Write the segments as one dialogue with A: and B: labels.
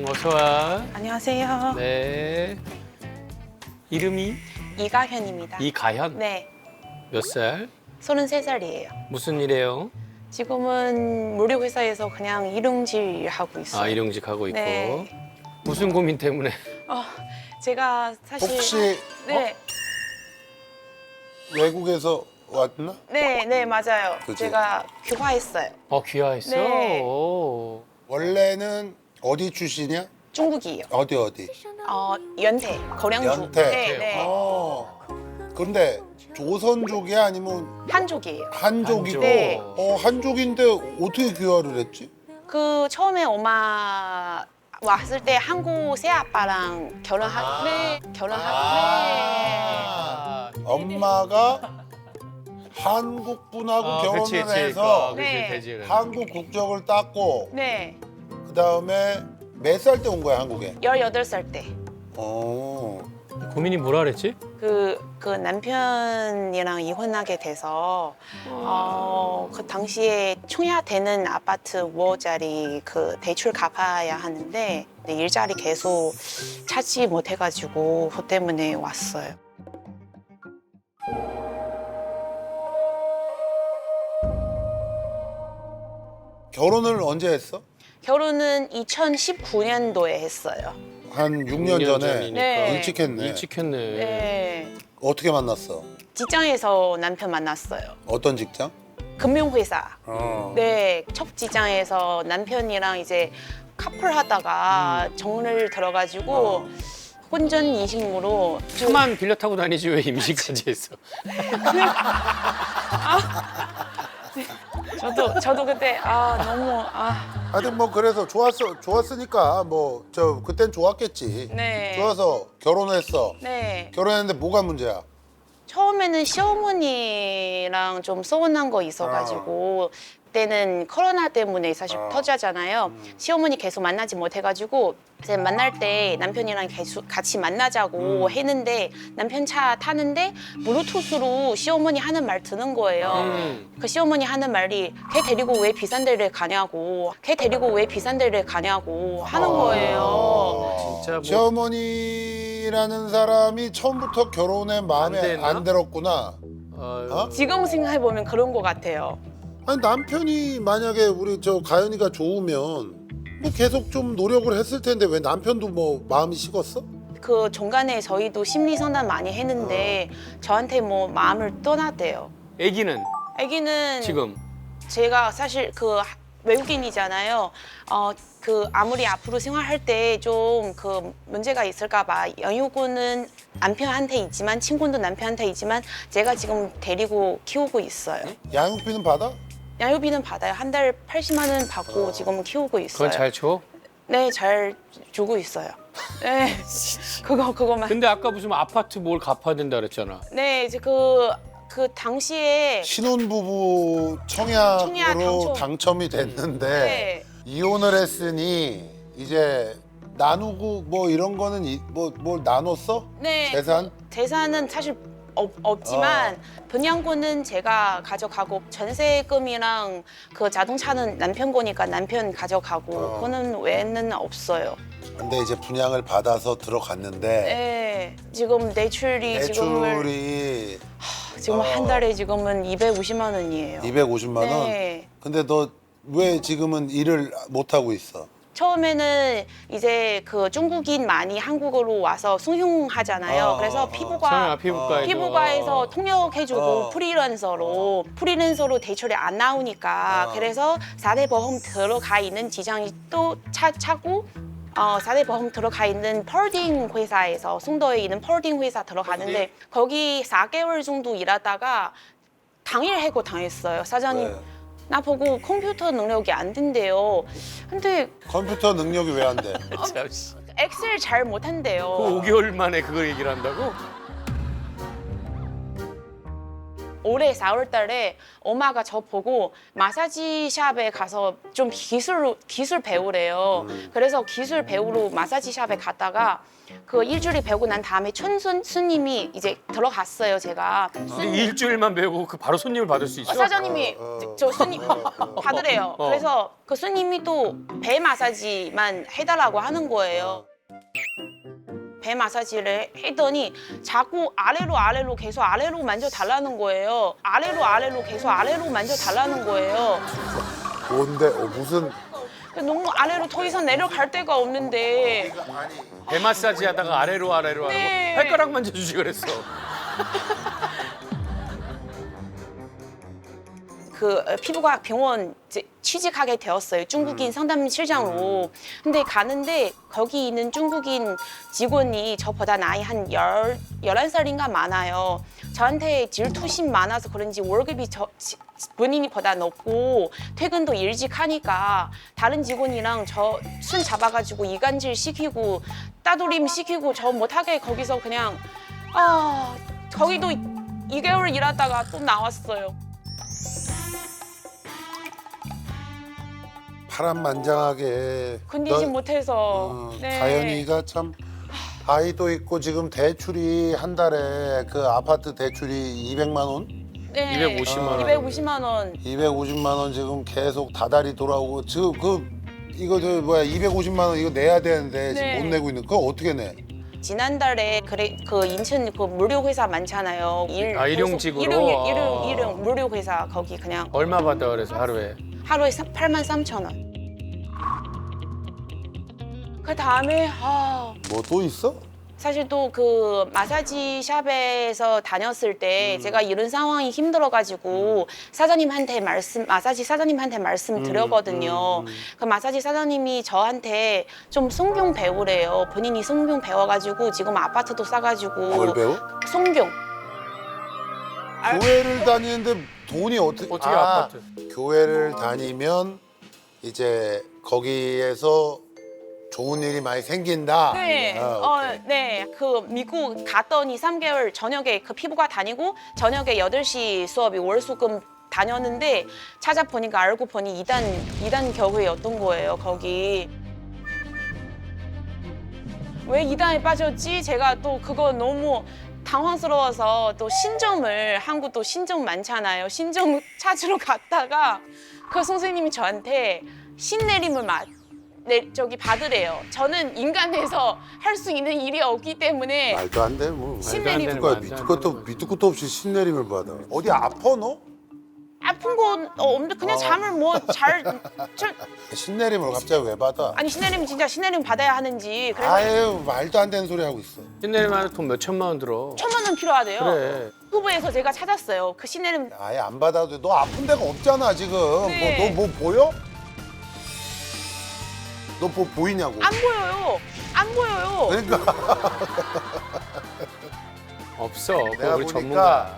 A: 어서 와.
B: 안녕하세요.
A: 네. 이름이
B: 이가현입니다.
A: 이가현?
B: 네,
A: 몇 살?
B: 33살이에요.
A: 무슨 일해요?
B: 지금은 무료회사에서 그냥 일용직 하고 있어요.
A: 아, 일용직 하고 있고.
B: 네.
A: 무슨 고민 때문에?
B: 제가 사실
C: 혹시
B: 네,
C: 외국에서 왔나?
B: 네, 맞아요.
C: 그치?
B: 제가 귀화했어요.
A: 귀화했어?
B: 네.
A: 오.
C: 원래는 어디 출신이야?
B: 중국이에요.
C: 어디?
B: 연태, 거량주.
C: 연태.
B: 네.
C: 근데 조선족이야 아니면
B: 한족이에요.
C: 한족이고?
B: 네.
C: 한족인데 어떻게 귀화를 했지?
B: 그 처음에 엄마 왔을 때 한국 새아빠랑 결혼하고
C: 엄마가 한국 분하고 결혼을 해서
B: 네.
A: 되지.
C: 한국 국적을 땄고
B: 네,
C: 그 다음에 몇 살 때 온 거야 한국에?
B: 18살 때.
A: 고민이 뭐라 그랬지?
B: 그 남편이랑 이혼하게 돼서 그 당시에 청약되는 아파트 5호짜리 그 대출 갚아야 하는데 일자리 계속 찾지 못해가지고 그 때문에 왔어요.
C: 결혼을 언제 했어?
B: 결혼은 2019년도에 했어요.
C: 한 6년 전에
A: 전이니까.
B: 네.
C: 일찍 했네.
A: 일찍 했네.
B: 네.
C: 어떻게 만났어?
B: 직장에서 남편 만났어요.
C: 어떤 직장?
B: 금융회사.
C: 어.
B: 네, 첫 직장에서 남편이랑 이제 카풀 하다가 정을 들어가지고 혼전 인식으로
A: 차만 빌려 타고 다니지 왜 임신까지 했어?
B: 저도 그때 너무
C: 하여튼 뭐 그래서 좋았으니까 뭐 저 그땐 좋았겠지.
B: 네.
C: 좋아서 결혼했어.
B: 네.
C: 결혼했는데 뭐가 문제야?
B: 처음에는 시어머니랑 좀 서운한 거 있어가지고 그때는 코로나 때문에 사실 터지잖아요. 시어머니 계속 만나지 못해가지고 이제 만날 때 남편이랑 계속 같이 만나자고 했는데 남편 차 타는데 블루투스로 시어머니 하는 말 듣는 거예요. 그 시어머니 하는 말이 걔 데리고 왜 비싼 데를 가냐고 걔 데리고 왜 비싼 데를 가냐고 하는 거예요.
A: 진짜 뭐
C: 시어머니라는 사람이 처음부터 결혼에
A: 안
C: 마음에
A: 됐나?
C: 안 들었구나.
A: 어?
B: 지금 생각해보면 그런 것 같아요.
C: 아니 남편이 만약에 우리 저 가연이가 좋으면 뭐 계속 좀 노력을 했을 텐데 왜 남편도 뭐 마음이 식었어?
B: 그 중간에 저희도 심리 상담 많이 했는데 저한테 뭐 마음을 떠났대요.
A: 아기는
B: 아기는
A: 지금
B: 제가 사실 그 외국인이잖아요. 그 아무리 앞으로 생활할 때 좀 그 문제가 있을까 봐 양육은 남편한테 있지만 친구도 남편한테 있지만 제가 지금 데리고 키우고 있어요.
C: 양육비는 받아?
B: 양육비는 받아요. 한 달 80만 원 받고 지금 키우고 있어요.
A: 그건 잘 줘?
B: 네, 잘 주고 있어요. 네, 그거만.
A: 근데 아까 무슨 아파트 뭘 갚아야 된다 그랬잖아.
B: 네, 이제 그 당시에
C: 신혼부부
B: 청약
C: 청약으로
B: 당첨.
C: 당첨이 됐는데
B: 네.
C: 이혼을 했으니 이제 나누고 뭐 이런 거는 뭘 나눴어?
B: 네,
C: 재산?
B: 재산은 사실 없지만 분양권은 제가 가져가고 전세금이랑 그 자동차는 남편 거니까 남편 가져가고 그거는 외에는 없어요.
C: 근데 이제 분양을 받아서 들어갔는데
B: 네, 지금 대출이 지금 한 달에 지금은 250만 원이에요.
C: 250만 원?
B: 네.
C: 근데 너 왜 지금은 일을 못 하고 있어?
B: 처음에는 이제 그 중국인 많이 한국으로 와서 승용하잖아요. 그래서 피부과에서 통역해주고 프리랜서로 대출이 안 나오니까 그래서 4대 보험 들어가 있는 직장이 또 찾고 4대 보험 들어가 있는 펄딩 회사에서 송도에 있는 펄딩 회사 들어가는데 거기 4개월 정도 일하다가 당일 해고 당했어요. 사장님
C: 왜?
B: 나보고 컴퓨터 능력이 안 된대요. 근데
C: 컴퓨터 능력이 왜 안 돼?
A: 참, 씨.
B: 엑셀 잘 못한대요.
A: 그 5개월 만에 그걸 얘기를 한다고?
B: 올해 4월 달에 엄마가 저 보고 마사지 샵에 가서 좀 기술 배우래요. 그래서 기술 배우러 마사지 샵에 갔다가 그 일주일이 배우고 난 다음에 스님이 이제 들어갔어요, 제가.
A: 근데 일주일만 배우고 그 바로 손님을 받을 수 있어?
B: 사장님이 저 스님 받으래요. 그래서 그 스님이 또 배 마사지만 해달라고 하는 거예요. 배 마사지를 했더니 자꾸 아래로 계속 아래로 만져달라는 거예요. 아래로 계속 아래로 만져달라는 거예요.
C: 뭔데? 무슨
B: 너무 아래로 더 이상 내려갈 데가 없는데
A: 배 마사지 하다가 아래로 하고
B: 네.
A: 발가락 만져주지 그랬어.
B: 그 피부과학 병원 취직하게 되었어요. 중국인 상담실장으로. 근데 가는데 거기 있는 중국인 직원이 저보다 나이 한 11살인가 많아요. 저한테 질투심 많아서 그런지 월급이 본인이보다 높고 퇴근도 일찍 하니까 다른 직원이랑 저 손 잡아가지고 이간질 시키고 따돌림 시키고 저 못하게 거기서 그냥 거기도 2개월 일하다가 또 나왔어요.
C: 파란만장하게
B: 건디지
C: 너-
B: 못해서. 네.
C: 가연이가 참 아이도 있고 지금 대출이 한 달에 그 아파트 대출이 200만 원?
B: 네.
A: 250만 원.
B: 250만 원.
C: 250만 원 지금 계속 다달이 돌아오고 지금 이거 250만 원 이거 내야 되는데 지금
B: 네.
C: 못 내고 있는 그거 어떻게 내?
B: 지난달에 그 인천 그 무료 회사 많잖아요.
A: 일용직으로?
B: 일용 무료 회사 거기 그냥
A: 얼마 받아 그래서 하루에?
B: 하루에 83,000원. 그 다음에
C: 뭐 또 있어?
B: 사실 또 그 마사지 샵에서 다녔을 때 제가 이런 상황이 힘들어가지고 마사지 사장님한테 말씀 드렸거든요. 그 마사지 사장님이 저한테 좀 성경 배우래요. 본인이 성경 배워가지고 지금 아파트도 싸가지고.
C: 뭘 배워?
B: 성경.
C: 교회를 다니는데 돈이 어떻게
A: 아파트?
C: 교회를 다니면 이제 거기에서 좋은 일이 많이 생긴다.
B: 네,
C: 오케이.
B: 네. 그 미국 갔더니 3개월 저녁에 그 피부과 다니고 저녁에 8시 수업이 월수금 다녔는데 찾아보니까 알고 보니 이단 교회였던 거예요, 거기. 왜 이단에 빠졌지? 제가 또 그거 너무 당황스러워서 또 한국 또 신점 많잖아요. 신점 찾으러 갔다가 그 선생님이 저한테 신내림을 받으래요. 저는 인간에서 할 수 있는 일이 없기 때문에
C: 말도 안 돼. 뭐
B: 신내림.
A: 말도 안
C: 밑도
A: 되는
C: 끝도
A: 거지.
C: 밑도 끝도 없이 신내림을 받아. 어디 아파 너?
B: 아픈 건 없는데 그냥 잠을
C: 신내림을 갑자기 왜 받아?
B: 아니 신내림 받아야 하는지 그래서
C: 아유 말도 안 되는 소리 하고 있어.
A: 신내림하면 돈 몇 천만 원 들어.
B: 1,000만 원 필요하대요.
A: 그래.
B: 후보에서 제가 찾았어요. 그 신내림
C: 아예 안 받아도 돼. 너 아픈 데가 없잖아 지금.
B: 네.
C: 너 뭐 보여? 너 뭐 보이냐고.
B: 안 보여요. 안 보여요.
C: 그러니까
A: 없어. 그거
C: 내가
A: 우리
C: 보니까
A: 전문가.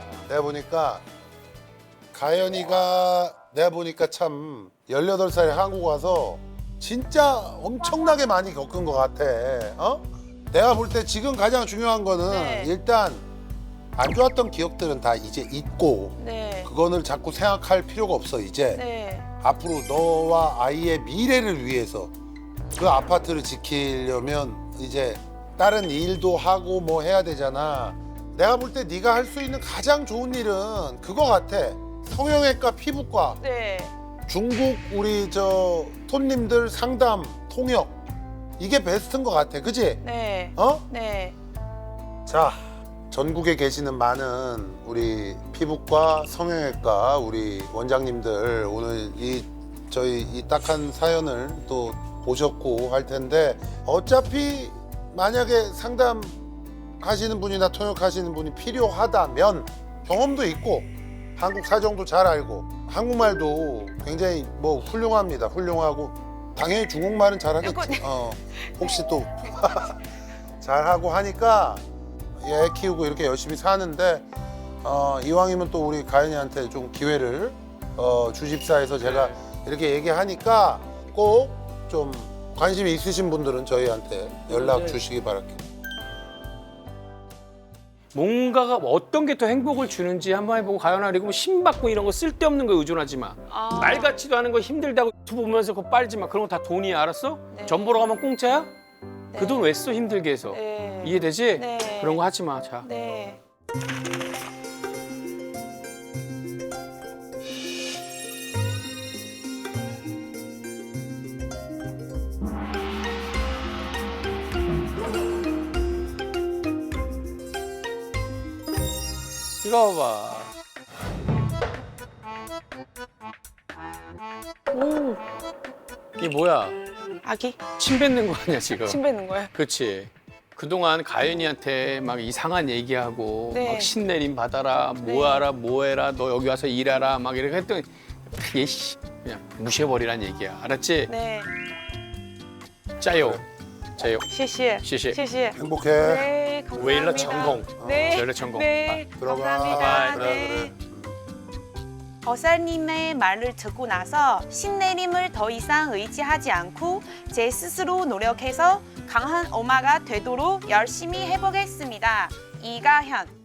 C: 가연이가 내가 보니까 참 18살에 한국 와서 진짜 엄청나게 많이 겪은 것 같아. 내가 볼 때 지금 가장 중요한 거는
B: 네.
C: 일단 안 좋았던 기억들은 다 이제 잊고
B: 네.
C: 그거를 자꾸 생각할 필요가 없어 이제.
B: 네.
C: 앞으로 너와 아이의 미래를 위해서 그 아파트를 지키려면 이제 다른 일도 하고 뭐 해야 되잖아. 내가 볼 때 네가 할 수 있는 가장 좋은 일은 그거 같아. 성형외과, 피부과,
B: 네.
C: 중국 우리 손님들 상담, 통역 이게 베스트인 것 같아. 그지?
B: 네. 네.
C: 자, 전국에 계시는 많은 우리 피부과, 성형외과 우리 원장님들 오늘 저희 이 딱한 사연을 또 보셨고 할 텐데 어차피 만약에 상담하시는 분이나 통역하시는 분이 필요하다면 경험도 있고 한국 사정도 잘 알고 한국말도 굉장히 뭐 훌륭합니다. 훌륭하고 당연히 중국말은 잘하겠지. 혹시 또 잘하고 하니까 애 키우고 이렇게 열심히 사는데 이왕이면 또 우리 가연이한테 좀 기회를 주집사에서 제가 이렇게 얘기하니까 꼭 좀 관심이 있으신 분들은 저희한테 연락
A: 네.
C: 주시기 바랄게요.
A: 뭔가가 어떤 게 더 행복을 주는지 한번 해보고 가연아. 그리고 심 받고 이런 거 쓸데없는 거에 의존하지 마. 말 같지도 않은 거 힘들다고 유튜브 보면서 그거 빨지 마. 그런 거 다 돈이야, 알았어?
B: 네.
A: 전 보러 가면 공짜야?
B: 네.
A: 그 돈 왜 써, 힘들게 해서.
B: 네.
A: 이해되지?
B: 네.
A: 그런 거 하지 마. 자.
B: 네.
A: 이거 봐봐.
B: 오,
A: 이게 뭐야?
B: 아기
A: 침 뱉는 거 아니야, 지금?
B: 침 뱉는 거예요?
A: 그렇지. 그동안 가연이한테 막 이상한 얘기하고
B: 네.
A: 막 신내림 받아라, 뭐하라, 뭐해라, 너 여기 와서 일하라 막 이렇게 했더니 얘씨 그냥 무시해버리란 얘기야. 알았지?
B: 네.
A: 짜요. 짜요.
B: 谢谢.
A: 谢谢.
B: 谢谢.
C: 행복해.
B: 네, 감사합니다.
A: 웨일러 전공.
B: 네.
A: 웨일러 전공.
B: 네,
C: 들어가.
B: 감사합니다.
A: 바이바이.
B: 네. 어살님의 말을 듣고 나서 신내림을 더 이상 의지하지 않고 제 스스로 노력해서 강한 엄마가 되도록 열심히 해보겠습니다. 이가현.